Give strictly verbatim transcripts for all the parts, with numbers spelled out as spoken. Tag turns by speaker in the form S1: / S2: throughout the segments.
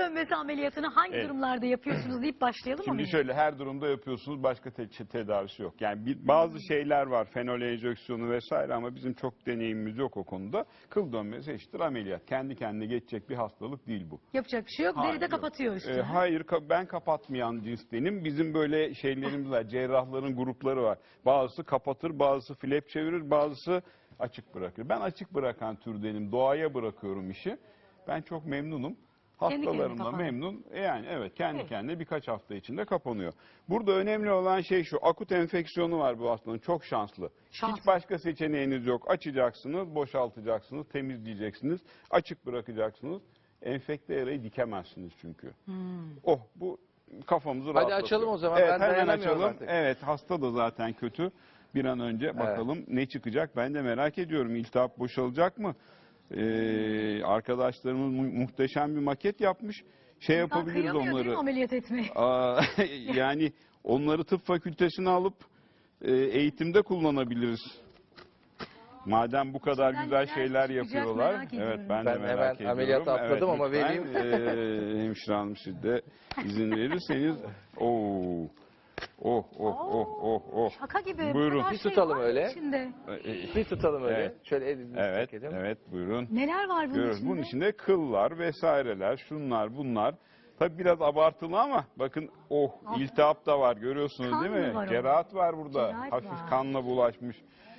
S1: dönmesi ameliyatını hangi
S2: Evet.
S1: durumlarda yapıyorsunuz deyip başlayalım mı?
S2: Şimdi
S1: Melih?
S2: şöyle her durumda yapıyorsunuz, başka te tedavisi yok. Yani bir, bazı şeyler var, fenol enjeksiyonu vesaire ama bizim çok deneyimimiz yok o konuda. Kıl dönmesi eşittir ameliyat. Kendi kendine geçecek bir hastalık değil bu.
S1: Yapacak bir şey yok.
S2: Hayır,
S1: Deride
S2: yok.
S1: kapatıyor üstünü.
S2: Ee, hayır, ka- ben kapatmayan cinstenim. Bizim böyle şeylerimiz var, cerrahların grupları var. Bazısı kapatır, bazısı flap çevirir, bazısı açık bırakır. Ben açık bırakan türdenim, doğaya bırakıyorum işi. Ben çok memnunum.
S1: Kendi kendine
S2: Hastalarım da
S1: kapanıyor.
S2: memnun. E Yani evet kendi
S1: Evet.
S2: kendine birkaç hafta içinde kapanıyor. Burada önemli olan şey şu. Akut enfeksiyonu var bu hastanın. Çok şanslı.
S1: Şanslı.
S2: Hiç başka seçeneğiniz yok. Açacaksınız, boşaltacaksınız, temizleyeceksiniz, açık bırakacaksınız. Enfekte yarayı dikemezsiniz çünkü.
S1: Hmm.
S2: Oh bu kafamızı
S3: Hadi
S2: rahatlatıyor.
S3: açalım o zaman.
S2: Evet,
S3: Ben
S2: hemen
S3: dayanamıyorum
S2: açalım.
S3: artık.
S2: Evet hasta da zaten kötü. Bir an önce bakalım ne çıkacak. Ben de merak ediyorum. İltihap boşalacak mı? Ee, arkadaşlarımız mu- muhteşem bir maket yapmış. Şey
S1: İnsan
S2: yapabiliriz
S1: kıyamıyor değil mi
S2: onları.
S1: ameliyat etmeyi?
S2: Aa, yani onları tıp fakültesine alıp e, eğitimde kullanabiliriz. Madem bu kadar
S1: İçinden
S2: güzel
S1: neler
S2: şeyler
S1: çıkacak
S2: yapıyorlar.
S1: merak
S2: Evet
S1: ediyorum.
S2: ben,
S3: Ben
S2: de merak
S3: hemen
S2: ediyorum.
S3: ameliyata atladım ama
S2: lütfen,
S3: vereyim.
S2: E, hemşire hanım siz de izin verirseniz. Oo. Oh oh oh oh oh.
S1: Şaka gibi.
S2: Buyurun.
S1: Bu kadar
S3: Bir
S1: şey
S3: tutalım
S1: var mı
S3: öyle.
S1: içinde?
S2: Ee,
S3: Bir tutalım öyle.
S2: Evet.
S3: Şöyle elimizi
S2: Evet,
S3: çekelim.
S2: evet buyurun.
S1: Neler var bunun
S2: Görüyoruz.
S1: içinde?
S2: Bunun içinde kıllar vesaireler, şunlar bunlar. Tabii biraz abartılı ama bakın oh
S1: Ah.
S2: iltihap da var görüyorsunuz
S1: Kan
S2: değil
S1: mı
S2: mi?
S1: var
S2: Cerahat var burada.
S1: Cerahat
S2: Hafif
S1: var.
S2: kanla bulaşmış.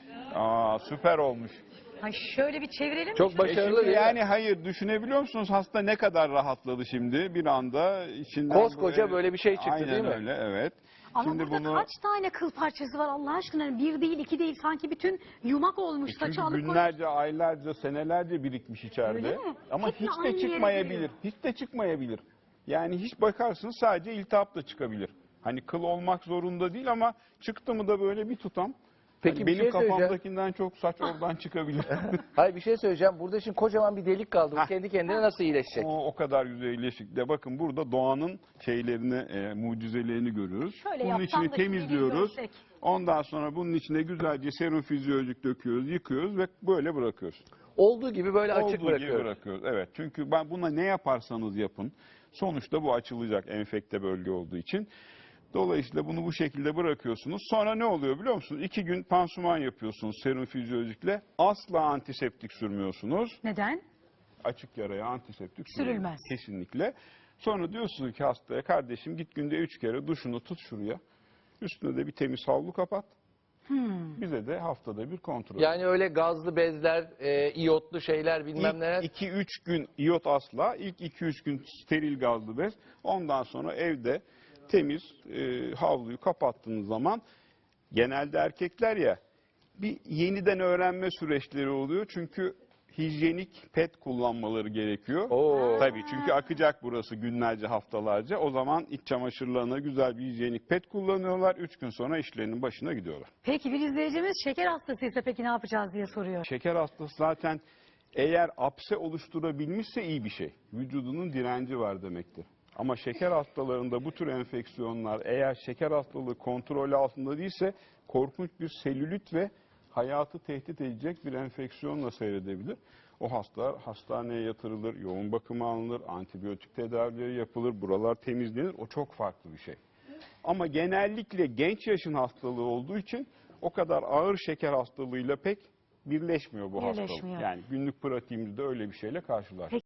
S2: Aa süper olmuş.
S1: Ay şöyle bir çevirelim mi?
S3: Çok
S1: Şöyle-
S3: başarılı.
S2: E şimdi
S3: değil mi?
S2: yani hayır düşünebiliyor musunuz hasta ne kadar rahatladı şimdi bir anda içinden
S3: Koskoca böyle bir şey çıktı,
S2: Aynen
S3: değil mi?
S2: öyle evet.
S1: Ama
S2: şimdi
S1: burada
S2: bunu
S1: kaç tane kıl parçası var Allah aşkına? Yani bir değil, iki değil. Sanki bütün yumak olmuş. Saçı
S2: çünkü
S1: alıp koymuş.
S2: günlerce, aylarca, senelerce birikmiş içeride.
S1: Öyle mi?
S2: Ama
S1: Hep mi
S2: hiç
S1: aynı
S2: de
S1: yere
S2: çıkmayabilir.
S1: geliyor?
S2: Hiç de çıkmayabilir. Yani hiç bakarsınız sadece iltihap da çıkabilir. Hani kıl olmak zorunda değil ama çıktı mı da böyle bir tutam.
S3: Peki,
S2: hani
S3: bir
S2: benim
S3: şey söyleyeceğim.
S2: kafamdakinden çok saç oradan çıkabilir.
S3: Hayır bir şey söyleyeceğim. Burada şimdi kocaman bir delik kaldı. Bu
S2: Hah.
S3: kendi kendine nasıl iyileşecek?
S2: o, o kadar güzel iyileşik de bakın burada doğanın şeylerini, e, mucizelerini görüyoruz.
S1: Şöyle
S2: bunun
S1: yapsam
S2: içini
S1: da şimdi bir
S2: temizliyoruz.
S1: görsek.
S2: Ondan sonra bunun içine güzelce serum fizyolojik döküyoruz, yıkıyoruz ve böyle bırakıyoruz.
S3: Olduğu gibi böyle açık
S2: Olduğu gibi
S3: bırakıyoruz.
S2: bırakıyoruz. Evet. Çünkü ben buna ne yaparsanız yapın sonuçta bu açılacak enfekte bölge olduğu için. Dolayısıyla bunu bu şekilde bırakıyorsunuz. Sonra ne oluyor biliyor musunuz? İki gün pansuman yapıyorsunuz serum fizyolojikle. Asla antiseptik sürmüyorsunuz.
S1: Neden?
S2: Açık yaraya antiseptik
S1: Sürülmez.
S2: sürülmez. Kesinlikle. Sonra diyorsunuz ki hastaya kardeşim git günde üç kere duşunu tut şuraya. Üstüne de bir temiz havlu kapat.
S1: Hmm.
S2: Bize de haftada bir kontrol.
S3: Yani öyle gazlı bezler, e, iyotlu şeyler bilmem neler.
S2: İlk iki üç gün iyot asla, ilk iki üç gün steril gazlı bez. Ondan sonra evde temiz e, havluyu kapattığınız zaman genelde erkekler ya bir yeniden öğrenme süreçleri oluyor. Çünkü hijyenik pet kullanmaları gerekiyor.
S3: Oo.
S2: Tabii çünkü akacak burası günlerce haftalarca. O zaman iç çamaşırlarına güzel bir hijyenik pet kullanıyorlar. Üç gün sonra işlerinin başına gidiyorlar.
S1: Peki bir izleyicimiz şeker hastasıysa peki ne yapacağız diye soruyor.
S2: Şeker hastası zaten eğer apse oluşturabilmişse iyi bir şey. Vücudunun direnci var demektir. Ama şeker hastalarında bu tür enfeksiyonlar eğer şeker hastalığı kontrol altında değilse korkunç bir selülit ve hayatı tehdit edecek bir enfeksiyonla seyredebilir. O hastalar hastaneye yatırılır, yoğun bakıma alınır, antibiyotik tedavileri yapılır, buralar temizlenir. O çok farklı bir şey. Ama genellikle genç yaşın hastalığı olduğu için o kadar ağır şeker hastalığıyla pek birleşmiyor bu hastalık.
S1: Birleşmiyor.
S2: Yani günlük pratiğimizde öyle bir şeyle karşılaştık.